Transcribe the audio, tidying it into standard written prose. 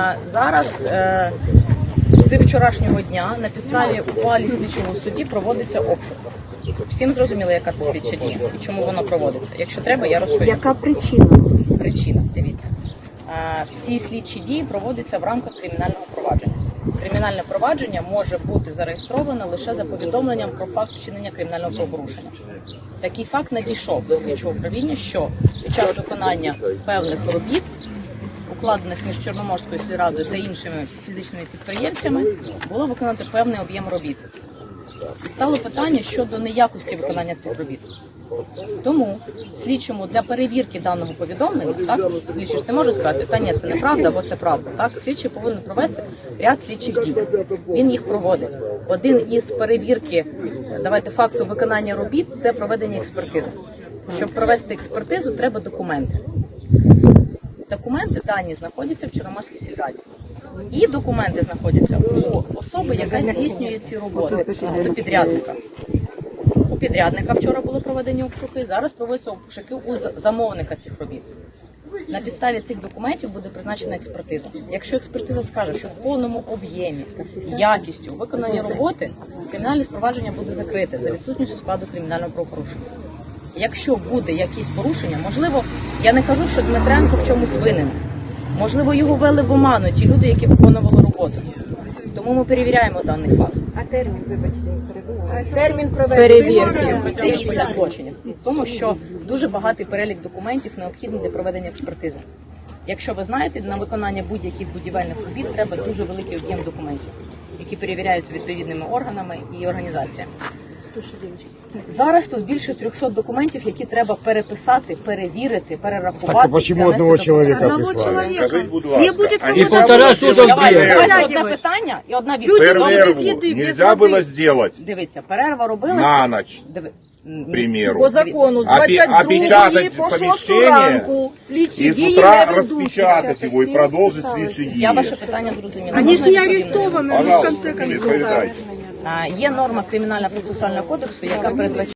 Зараз з вчорашнього дня на підставі ухвали слідчого судді проводиться обшук. Всім зрозуміло, яка це слідча дія і чому вона проводиться. Якщо треба, я розповім. Яка причина? Причина, дивіться. Всі слідчі дії проводяться в рамках кримінального провадження. Кримінальне провадження може бути зареєстроване лише за повідомленням про факт вчинення кримінального правопорушення. Такий факт надійшов до слідчого управління, що під час виконання певних робіт, укладених між Чорноморською сільрадою та іншими фізичними підприємцями, було виконано певний об'єм робіт. І стало питання щодо неякості виконання цих робіт. Тому слідчому для перевірки даного повідомлення, так, слідчий ж не може сказати, та ні, це неправда, або це правда. Так, слідчий повинен провести ряд слідчих дій. Він їх проводить. Один із перевірки, факту виконання робіт – це проведення експертизи. Щоб провести експертизу, треба документи. Документи дані знаходяться в Чорноморській сільраді. І документи знаходяться у особи, яка здійснює ці роботи, тобто підрядника. У підрядника вчора були проведені обшуки, зараз проводяться обшуки у замовника цих робіт. На підставі цих документів буде призначена експертиза. Якщо експертиза скаже, що в повному об'ємі, якістю виконання роботи, кримінальне провадження буде закрите за відсутністю складу кримінального правопорушення. Якщо буде якісь порушення, можливо, я не кажу, що Дмитренко в чомусь винен. Можливо, його ввели в оману ті люди, які виконували роботу. Тому ми перевіряємо даний факт. А термін, вибачте, перебуває. Термін перевірки дивіться злочинів. Тому що дуже багатий перелік документів необхідний для проведення експертизи. Якщо ви знаєте, на виконання будь-яких будівельних робіт треба дуже великий об'єм документів, які перевіряються відповідними органами і організаціями. Зараз тут більше 300 документів, які треба переписати, перевірити, перерахувати. Так, а почему одного человека прислали? Скажіть, будь ласка, И полтора суда Давайте одне питання і одна відповідь. перерву нельзя было сделать Дивіться, перерва робилася. на ночь, к примеру. По закону з Опечатать 22 по 6 помещение ранку слідчі и с дії утра не ведуться. распечатать его и продолжить следующие Я ваше дії. питання зрозуміла. Они ж Можна не відповідно? арестованы, ну, в Пожалуйста, конце концов. відповідайте. Є норма Кримінально-процесуального кодексу, яка передбачає